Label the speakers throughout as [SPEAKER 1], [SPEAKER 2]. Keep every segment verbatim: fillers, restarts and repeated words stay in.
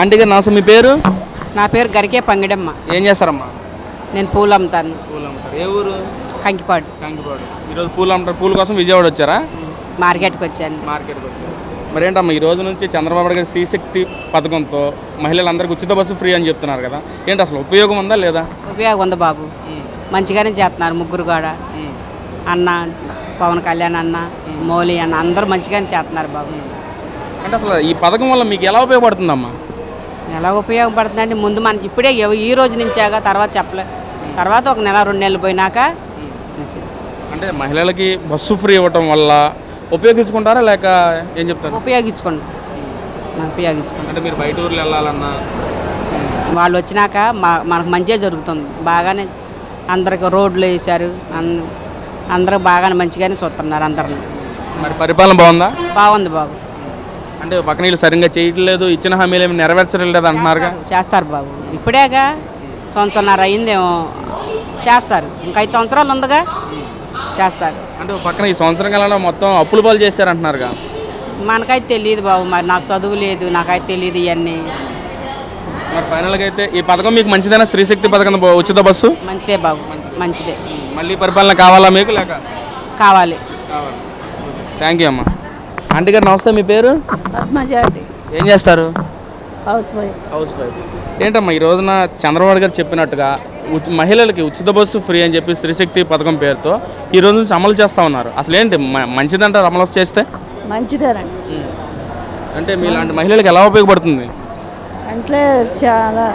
[SPEAKER 1] Aunty గారు నమస్తే, మీ పేరు?
[SPEAKER 2] నా పేరు గరికే పంగిడమ్మ.
[SPEAKER 1] ఏం చేస్తారమ్మా?
[SPEAKER 2] నేను పూలు అమ్ముతాను.
[SPEAKER 1] పూలు అమ్ముతారు. ఏ ఊరు?
[SPEAKER 2] కంకిపాడు.
[SPEAKER 1] కంకిపాడు. ఈరోజు పూలు అమ్ముతారు. పూల కోసం విజయవాడ వచ్చారా?
[SPEAKER 2] మార్కెట్కి వచ్చాను.
[SPEAKER 1] మార్కెట్కి వచ్చారు. మరి ఏంటమ్మా ఈ రోజు నుంచి చంద్రబాబు నాయుడు గారి శ్రీశక్తి పథకంతో మహిళలందరికీ ఉచిత బస్సు ఫ్రీ అని చెప్తున్నారు కదా, ఏంటి అసలు ఉపయోగం ఉందా లేదా?
[SPEAKER 2] ఉపయోగం ఉంది బాబు, మంచిగానే చేస్తున్నారు. ముగ్గురు కూడా అన్న, పవన్ కళ్యాణ్ అన్న, మౌలి అన్న అందరూ మంచిగానే చేస్తున్నారు బాబు.
[SPEAKER 1] అంటే అసలు ఈ పథకం వల్ల మీకు ఎలా ఉపయోగపడుతుందమ్మా?
[SPEAKER 2] ఎలా ఉపయోగపడుతుందంటే ముందు మనకి ఇప్పుడే ఈ రోజు నుంచాగా, తర్వాత చెప్పలే, తర్వాత ఒక నెల రెండు నెలలు పోయినాక.
[SPEAKER 1] అంటే మహిళలకి బస్సు ఫ్రీ ఇవ్వటం వల్ల ఉపయోగించుకుంటారా లేక ఏం చెప్తారు?
[SPEAKER 2] ఉపయోగించుకోండి, ఉపయోగించుకోండి.
[SPEAKER 1] అంటే మీరు బయట ఊర్లు వెళ్ళాలన్నా
[SPEAKER 2] వాళ్ళు వచ్చినాక మా మనకు మంచిగా జరుగుతుంది. బాగానే అందరికి రోడ్లు వేశారు, అందరూ బాగానే మంచిగానే చూస్తున్నారు అందరిని.
[SPEAKER 1] మరి పరిపాలన బాగుందా?
[SPEAKER 2] బాగుంది బాబు.
[SPEAKER 1] అంటే పక్కన వీళ్ళు సరిగ్గా చేయట్లేదు, ఇచ్చిన హామీలు ఏమి నెరవేర్చలేదు అంటున్నారుగా.
[SPEAKER 2] చేస్తారు బాబు, ఇప్పుడేగా సంవత్సరంన్నర అయిందేమో, చేస్తారు. ఇంకా ఐదు సంవత్సరాలు ఉందిగా, చేస్తారు.
[SPEAKER 1] అంటే పక్కన ఈ సంవత్సరం కాలంలో మొత్తం అప్పుల పాలు చేశారు అంటున్నారుగా.
[SPEAKER 2] మనకైతే తెలియదు బాబు, మరి నాకు చదువు లేదు, నాకైతే తెలియదు ఇవన్నీ.
[SPEAKER 1] మరి ఫైనల్గా అయితే ఈ పథకం మీకు మంచిదేనా? శ్రీశక్తి పథకం ఉచిత బస్సు
[SPEAKER 2] మంచిదే బాబు, మంచిదే.
[SPEAKER 1] మళ్ళీ పరిపాలన కావాలా మీకు లేక?
[SPEAKER 2] కావాలి.
[SPEAKER 1] థ్యాంక్ యూ అమ్మా. ఆంటీ గారు నమస్తే, మీ పేరు?
[SPEAKER 3] పద్మజాటి.
[SPEAKER 1] ఏం చేస్తారు?
[SPEAKER 3] Housewife.
[SPEAKER 1] Housewife. ఏంటమ్మా ఈ రోజున చంద్రబాబు గారు చెప్పినట్టుగా మహిళలకి ఉచిత బస్సు ఫ్రీ అని చెప్పి శ్రీశక్తి పథకం పేరుతో ఈ రోజు నుంచి అమలు చేస్తూ ఉన్నారు. అసలు ఏంటి మంచిదంటారు అమలు చేస్తే?
[SPEAKER 3] మంచిదేనండి.
[SPEAKER 1] అంటే మీలాంటి మహిళలకు ఎలా ఉపయోగపడుతుంది?
[SPEAKER 3] అంటే చాలా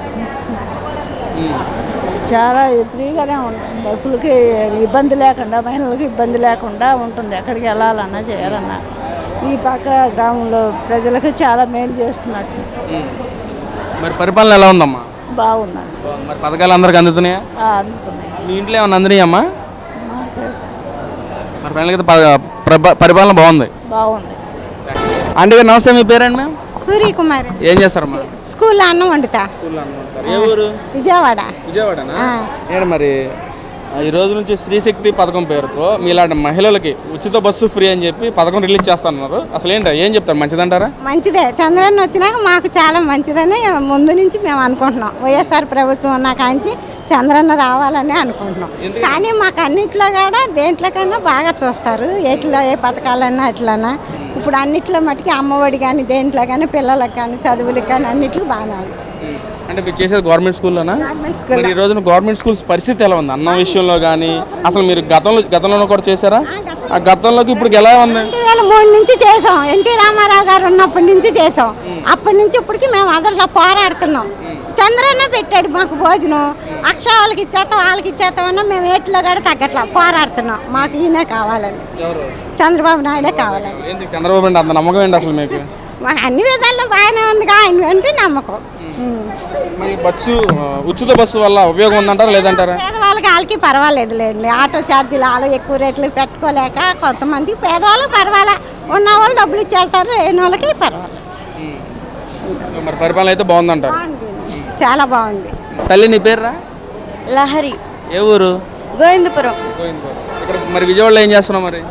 [SPEAKER 3] చాలా ఫ్రీగానే ఉంటుంది, బస్సులకి ఇబ్బంది లేకుండా, మహిళలకు ఇబ్బంది లేకుండా ఉంటుంది. ఎక్కడికి వెళ్ళాలన్నా చేయాలన్నా ఈ పక్క గ్రామంలో ప్రజలకు చాలా మేలు చేస్తున్నట్టు.
[SPEAKER 1] మరి పరిపాలన ఎలా ఉందమ్మా?
[SPEAKER 3] బాగున్నాను.
[SPEAKER 1] మరి పథకాలు అందరికి అందుతున్నాయా?
[SPEAKER 3] అందుతున్నాయి.
[SPEAKER 1] మీ ఇంట్లో ఏమన్నా అందినాయి అమ్మా? మరి ఫైనల్గా పరిపాలన బాగుంది.
[SPEAKER 3] బాగుంది.
[SPEAKER 1] ఆంటీ గారు నమస్తే, మీ పేరండి? మ్యామ్
[SPEAKER 4] సూర్యకుమారి.
[SPEAKER 1] ఏం చేస్తారమ్మా?
[SPEAKER 4] స్కూల్లో అన్నం వండుతా.
[SPEAKER 1] ఏ ఊరు?
[SPEAKER 4] విజయవాడ.
[SPEAKER 1] విజయవాడనా? ఏంటి మరి ఈ రోజు నుంచి శ్రీశక్తి పథకం పేరుతో మీలాంటి మహిళలకి ఉచిత బస్సు ఫ్రీ అని చెప్పి పథకం రిలీజ్ చేస్తున్నారు. అసలు ఏంటి ఏం చెప్తారు? మంచిదంటారా?
[SPEAKER 4] మంచిదే. చంద్రన్న వచ్చినాక మాకు చాలా మంచిదని ముందు నుంచి మేము అనుకుంటున్నాం. వైఎస్ఆర్ ప్రభుత్వం ఉన్న కాంచి చంద్రన్న రావాలని అనుకుంటున్నాం. కానీ మాకు అన్నింటిలో కూడా దేంట్లోకైనా బాగా చూస్తారు. ఎట్లా ఏ పథకాలన్నా అట్లన్నా. ఇప్పుడు అన్నిట్లో మటుకి అమ్మఒడి కానీ దేంట్లో కానీ పిల్లలకు కానీ చదువులకు కానీ అన్నిట్లో బాగానే ఉంటుంది.
[SPEAKER 1] అంటే మీరు చేసేది గవర్నమెంట్ స్కూల్లోనా? మరి ఈ రోజున గవర్నమెంట్ స్కూల్స్ పరిస్థితి ఎలా ఉంది అన్నం విషయంలో కానీ? అసలు మీరు గతంలో గతంలో కూడా చేశారా? ఆ గతంలోకి ఇప్పుడు ఎలా ఉంది?
[SPEAKER 4] రెండు వేల మూడు నుంచి చేసాం. ఎన్టీ రామారావు గారు ఉన్నప్పటి నుంచి చేసాం. అప్పటి నుంచి ఇప్పటికి మేము అదట్లో పోరాడుతున్నాం. చంద్రన్న పెట్టాడు మాకు భోజనం. అక్ష వాళ్ళకి ఇచ్చేస్తాం, వాళ్ళకి ఇచ్చేస్తామన్నా మేము ఏట్లో కూడా తగ్గట్లా పోరాడుతున్నాం. మాకు ఈయనే కావాలని, చంద్రబాబు నాయుడే కావాలని.
[SPEAKER 1] చంద్రబాబు అంటే అంత నమ్మకం ఏంటి అసలు మీకు?
[SPEAKER 4] మాకు అన్ని విధాల్లో బాగానే ఉంది, ఆయన అంటే నమ్మకం.
[SPEAKER 1] మరి బస్సు ఉచిత బస్సు వల్ల ఉపయోగం ఉందంటారా లేదంటారా?
[SPEAKER 4] పేదవాళ్ళకి వాళ్ళకి పర్వాలేదు లేండి. ఆటో ఛార్జీలు వాళ్ళు ఎక్కువ రేట్లు పెట్టుకోలేక కొంతమంది పేదవాళ్ళకి పర్వాలే, ఉన్న వాళ్ళు డబ్బులు ఇచ్చేస్తారు, లేని వాళ్ళకి పర్వాలేదు.
[SPEAKER 1] మరి పరిపాలన అయితే బాగుందంటారు?
[SPEAKER 4] చాలా బాగుంది.
[SPEAKER 1] తల్లి నీ పేరురా?
[SPEAKER 5] లహరి.
[SPEAKER 1] ఏ ఊరు?
[SPEAKER 5] గోవిందపురం.
[SPEAKER 1] ఇక్కడ మరి విజయవాడలో ఏం చేస్తున్నావు? మరి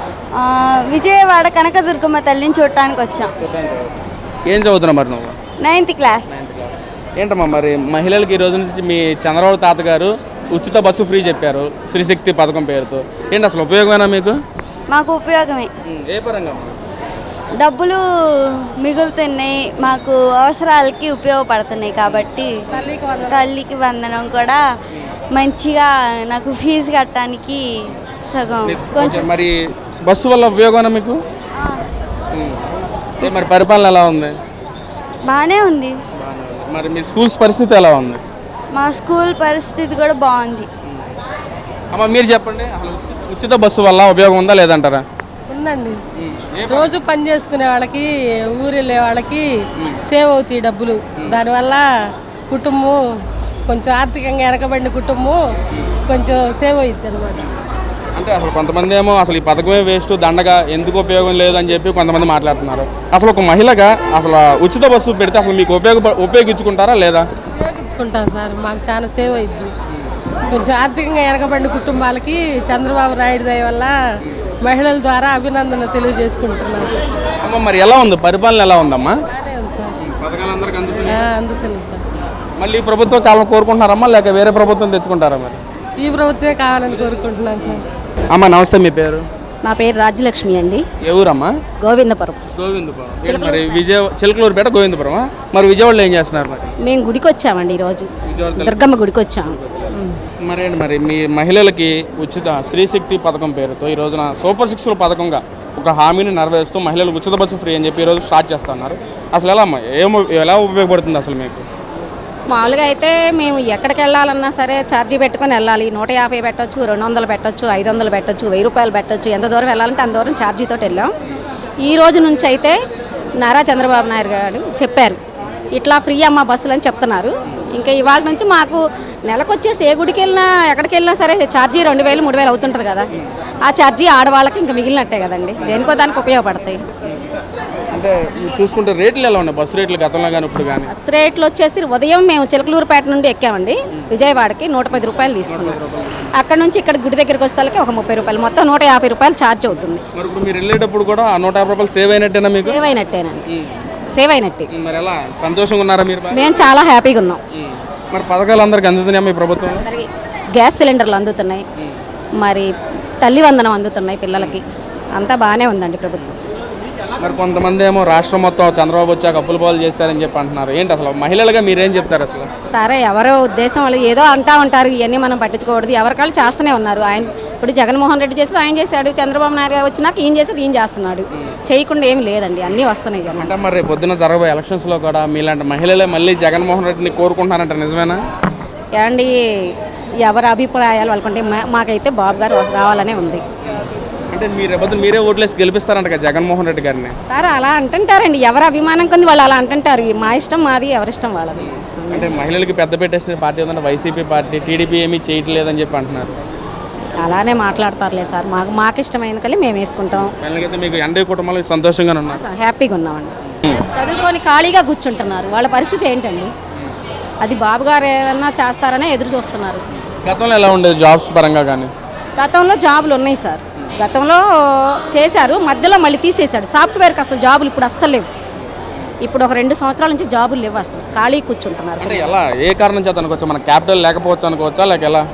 [SPEAKER 5] విజయవాడ కనకదుర్గమ్మ తల్లిని చూడటానికి వచ్చాం.
[SPEAKER 1] ఏం చదువుతున్నావు మరి నువ్వు?
[SPEAKER 5] Ninth class.
[SPEAKER 1] ఏంటమ్మా మరి మహిళలకి ఈ రోజు నుంచి మీ చంద్రబాబు తాతగారు ఉచిత బస్సు ఫ్రీ చెప్పారు శ్రీశక్తి పథకం పేరుతో, ఏంటి అసలు ఉపయోగమేనా మీకు?
[SPEAKER 5] మాకు ఉపయోగమే.
[SPEAKER 1] ఏ పరంగా?
[SPEAKER 5] డబ్బులు మిగులుతున్నాయి, మాకు అవసరాలకి ఉపయోగపడుతున్నాయి. కాబట్టి తల్లికి వందనం కూడా మంచిగా నాకు ఫీజు కట్టడానికి సగం కొంచెం.
[SPEAKER 1] మరి బస్సు వల్ల ఉపయోగమేనా మీకు? మరి పరిపాలన ఎలా ఉంది?
[SPEAKER 5] బాగానే ఉంది.
[SPEAKER 1] మరి మీ స్కూల్స్ పరిస్థితి ఎలా ఉంది?
[SPEAKER 5] మా స్కూల్ పరిస్థితి కూడా బాగుంది.
[SPEAKER 1] అమ్మ మీరు చెప్పండి, అసలు ఉచిత బస్సు వల్ల ఉపయోగం ఉందా లేదంటారా?
[SPEAKER 6] ఉందండి. రోజు పని చేసుకునే వాళ్ళకి, ఊరు వెళ్ళే వాళ్ళకి సేవ్ అవుతాయి డబ్బులు. దానివల్ల కుటుంబం కొంచెం ఆర్థికంగా వెనకబడిన కుటుంబం కొంచెం సేవ్ అవుతుంది అనమాట.
[SPEAKER 1] అంటే అసలు కొంతమంది ఏమో అసలు ఈ పథకమే వేస్ట్, దండగా, ఎందుకు ఉపయోగం లేదు అని చెప్పి కొంతమంది మాట్లాడుతున్నారు. అసలు ఒక మహిళగా అసలు ఉచిత బస్సు పెడితే అసలు మీకు ఉపయోగ ఉపయోగించుకుంటారా లేదా?
[SPEAKER 6] ఉపయోగించుకుంటాం సార్, మాకు చాలా సేవ్ అవుతుంది. కొంచెం ఆర్థికంగా వెనకబడిన కుటుంబాలకి చంద్రబాబు నాయుడు దయ వల్ల మహిళల ద్వారా అభినందన తెలియజేసుకుంటున్నాను.
[SPEAKER 1] అమ్మ మరి ఎలా ఉంది పరిపాలన? ఎలా ఉందమ్మా?
[SPEAKER 6] బాగానే ఉంది సార్.
[SPEAKER 1] పథకాలు అందరికీ
[SPEAKER 6] ఆ, అందుతున్నాయి సార్.
[SPEAKER 1] మళ్ళీ ఈ ప్రభుత్వం కాలం కోరుకుంటున్నారమ్మా లేక వేరే ప్రభుత్వం తెచ్చుకుంటారా మరి?
[SPEAKER 6] ఈ ప్రభుత్వమే కావాలని కోరుకుంటున్నాను సార్.
[SPEAKER 1] అమ్మా నమస్తే, మీ పేరు?
[SPEAKER 2] నా పేరు రాజ్యలక్ష్మి అండి,
[SPEAKER 1] ఏ ఊరమ్మా?
[SPEAKER 2] గోవిందపురం.
[SPEAKER 1] గోవిందపురం. ఏంటి మరి విజయ చిలకలూరుపేట గోవిందపురం. మరి విజయవాడలో ఏం చేస్తున్నారు మరి?
[SPEAKER 2] మేము గుడికి వచ్చామండి ఈరోజు,
[SPEAKER 1] విజయవాడ
[SPEAKER 2] దుర్గమ్మ గుడికి వచ్చాము.
[SPEAKER 1] మరి ఏంటి మరి మీ మహిళలకి ఉచిత స్త్రీశక్తి పథకం పేరుతో ఈ రోజున సూపర్ సిక్స్ల పథకంగా ఒక హామీని నెరవేరుస్తూ మహిళలకు ఉచిత బస్సు ఫ్రీ అని చెప్పి ఈరోజు స్టార్ట్ చేస్తున్నారు. అసలు ఎలా అమ్మా, ఏమో ఎలా ఉపయోగపడుతుంది అసలు మీకు?
[SPEAKER 2] మామూలుగా అయితే మేము ఎక్కడికి వెళ్ళాలన్నా సరే ఛార్జీ పెట్టుకొని వెళ్ళాలి. నూట యాభై పెట్టొచ్చు, రెండు వందలు పెట్టొచ్చు, ఐదు వందలు పెట్టొచ్చు, వెయ్యి రూపాయలు పెట్టొచ్చు. ఎంత దూరం వెళ్ళాలంటే అంత దూరం ఛార్జీతో వెళ్ళాం. ఈ రోజు నుంచి అయితే నారా చంద్రబాబు నాయుడు గారు చెప్పారు ఇట్లా ఫ్రీ అమ్మ బస్సులు అని చెప్తున్నారు. ఇంకా ఇవాళ నుంచి మాకు నెలకు వచ్చేసి ఏ గుడికి వెళ్ళినా ఎక్కడికి వెళ్ళినా సరే ఛార్జీ రెండు వేలు మూడు వేలు అవుతుంటుంది కదా. ఆ ఛార్జీ ఆడవాళ్ళకి ఇంకా మిగిలినట్టే కదండి, దేనికో దానికి ఉపయోగపడతాయి.
[SPEAKER 1] అంటే చూసుకుంటే రేట్లు ఎలా ఉన్నాయి బస్సు రేట్లు గతంలో కానీ ఇప్పుడు కానీ?
[SPEAKER 2] బస్ రేట్లు వచ్చేసి ఉదయం మేము చిలకలూరుపేట నుండి ఎక్కామండి విజయవాడకి, నూట పది రూపాయలు తీసుకున్నాం. అక్కడ నుంచి ఇక్కడ గుడి దగ్గరికి వస్తాలకి ఒక ముప్పై రూపాయలు, మొత్తం నూట యాభై రూపాయలు ఛార్జ్ అవుతుంది.
[SPEAKER 1] మరి ఇప్పుడు మీరు వెళ్ళేటప్పుడు కూడా ఆ నూట యాభై రూపాయలు సేవ్ అయినట్టేనా మీకు?
[SPEAKER 2] సేవ్ అయినట్టేనండి, సేవ్ అయినట్టే.
[SPEAKER 1] మరి ఎలా సంతోషంగా ఉన్నారా మీరు?
[SPEAKER 2] మేము చాలా హ్యాపీగా ఉన్నాం.
[SPEAKER 1] మరి పథకాలు అందరికి అందుతున్నాయా మీ ప్రభుత్వం?
[SPEAKER 2] అందరికీ గ్యాస్ సిలిండర్లు అందుతున్నాయి, మరి తల్లి వందనం అందుతున్నాయి పిల్లలకి, అంతా బాగానే ఉందండి ప్రభుత్వం.
[SPEAKER 1] మరి కొంతమంది ఏమో రాష్ట్రం మొత్తం చంద్రబాబు వచ్చాక అప్పుల పాలు చేస్తారని చెప్పి అంటున్నారు. ఏంటి అసలు మహిళలుగా మీరేం చెప్తారు అసలు?
[SPEAKER 2] సరే, ఎవరో ఉద్దేశం వాళ్ళు ఏదో అంటా ఉంటారు, ఇవన్నీ మనం పట్టించుకోకూడదు. ఎవరికాళ్ళు చేస్తూనే ఉన్నారు. ఆయన ఇప్పుడు జగన్మోహన్ రెడ్డి చేసేది ఆయన చేశాడు, చంద్రబాబు నాయుడు గారు వచ్చినాక ఈయన చేసేది ఈయన చేస్తున్నాడు. చేయకుండా ఏమి లేదండి, అన్నీ వస్తున్నాయి కదా.
[SPEAKER 1] అంటే మరి పొద్దున్న జరగబోయే ఎలక్షన్స్లో కూడా మీలాంటి మహిళలే మళ్ళీ జగన్మోహన్ రెడ్డిని కోరుకుంటున్నారంట, నిజమేనా?
[SPEAKER 2] ఏమండి, ఎవరి అభిప్రాయాలు వాళ్ళకుంటే మా- మాకైతే బాబు గారు రావాలనే ఉంది.
[SPEAKER 1] అంటే మీరు పొద్దున మీరే ఓట్లేసి గెలిపిస్తారంట కదా జగన్మోహన్ రెడ్డి గారిని?
[SPEAKER 2] సార్ అలా అంటుంటారండి, ఎవరి అభిమానం కొంది వాళ్ళు అలా అంటుంటారు. మా ఇష్టం మాది, ఎవరిష్టం వాళ్ళది.
[SPEAKER 1] అంటే మహిళలకి పెద్ద పెట్టేసిన పార్టీ ఉందంటే వైసీపీ పార్టీ, టీడీపీ ఏమీ చేయట్లేదని చెప్పి అంటున్నారు.
[SPEAKER 2] అలానే మాట్లాడతారులే సార్, మాకు మాకు ఇష్టమైన కలి మేము వేసుకుంటాం.
[SPEAKER 1] అయితే మీకు ఎండే కుటుంబాలు సంతోషంగానే ఉన్నారు?
[SPEAKER 2] హ్యాపీగా ఉన్నామండి. చదువుకొని ఖాళీగా కూర్చుంటున్నారు, వాళ్ళ పరిస్థితి ఏంటండి? అది బాబు గారు ఏదన్నా చేస్తారనే ఎదురు చూస్తున్నారు.
[SPEAKER 1] గతంలో ఎలా ఉండేది జాబ్స్ పరంగా కానీ?
[SPEAKER 2] గతంలో జాబులు ఉన్నాయి సార్, గతంలో చేశారు, మధ్యలో మళ్ళీ తీసేశాడు. సాఫ్ట్వేర్కి అసలు జాబులు ఇప్పుడు అస్సలు లేవు. ఇప్పుడు ఒక రెండు సంవత్సరాల నుంచి జాబులు లేవు, అసలు ఖాళీ కూర్చుంటున్నారు.
[SPEAKER 1] అంటే ఎలా, ఏ కారణం చేత అనుకోవచ్చు? మన క్యాపిటల్ లేకపోవచ్చు అనుకోవచ్చా లేక ఎలా?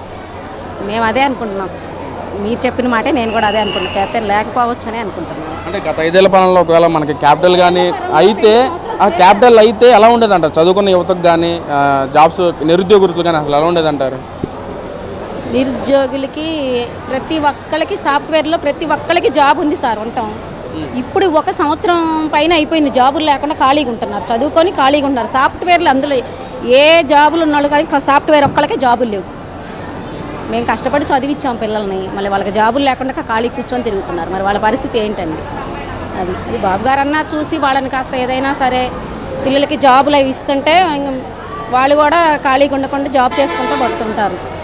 [SPEAKER 2] మేము అదే అనుకుంటున్నాం, మీరు చెప్పిన మాటే నేను కూడా అదే అనుకుంటున్నాను, క్యాపిటల్ లేకపోవచ్చు అని అనుకుంటున్నాను.
[SPEAKER 1] అంటే గత ఐదేళ్ల పాలనలో ఒకవేళ మనకి క్యాపిటల్ కానీ అయితే ఆ క్యాపిటల్ అయితే ఎలా ఉండేది అంటారు? చదువుకున్న యువతకు కానీ జాబ్స్ నిరుద్యోగులు కానీ అసలు ఎలా ఉండేది అంటారు?
[SPEAKER 2] నిరుద్యోగులకి ప్రతి ఒక్కరికి సాఫ్ట్వేర్లో ప్రతి ఒక్కరికి జాబ్ ఉంది సార్, ఉంటాం. ఇప్పుడు ఒక సంవత్సరం పైన అయిపోయింది జాబులు లేకుండా ఖాళీగా ఉంటున్నారు, చదువుకొని ఖాళీగా ఉంటున్నారు. సాఫ్ట్వేర్లు అందులో ఏ జాబులు ఉన్నాళ్ళు కానీ సాఫ్ట్వేర్ ఒక్కళ్ళకే జాబులు లేవు. మేము కష్టపడి చదివించాం పిల్లల్ని, మళ్ళీ వాళ్ళకి జాబులు లేకుండా ఖాళీ కూర్చొని తిరుగుతున్నారు. మరి వాళ్ళ పరిస్థితి ఏంటండి? అది అది బాబు గారన్నా చూసి వాళ్ళని కాస్త ఏదైనా సరే పిల్లలకి జాబులు అవి ఇస్తుంటే వాళ్ళు కూడా ఖాళీగా ఉండకుండా జాబ్ చేసుకుంటూ పడుతుంటారు.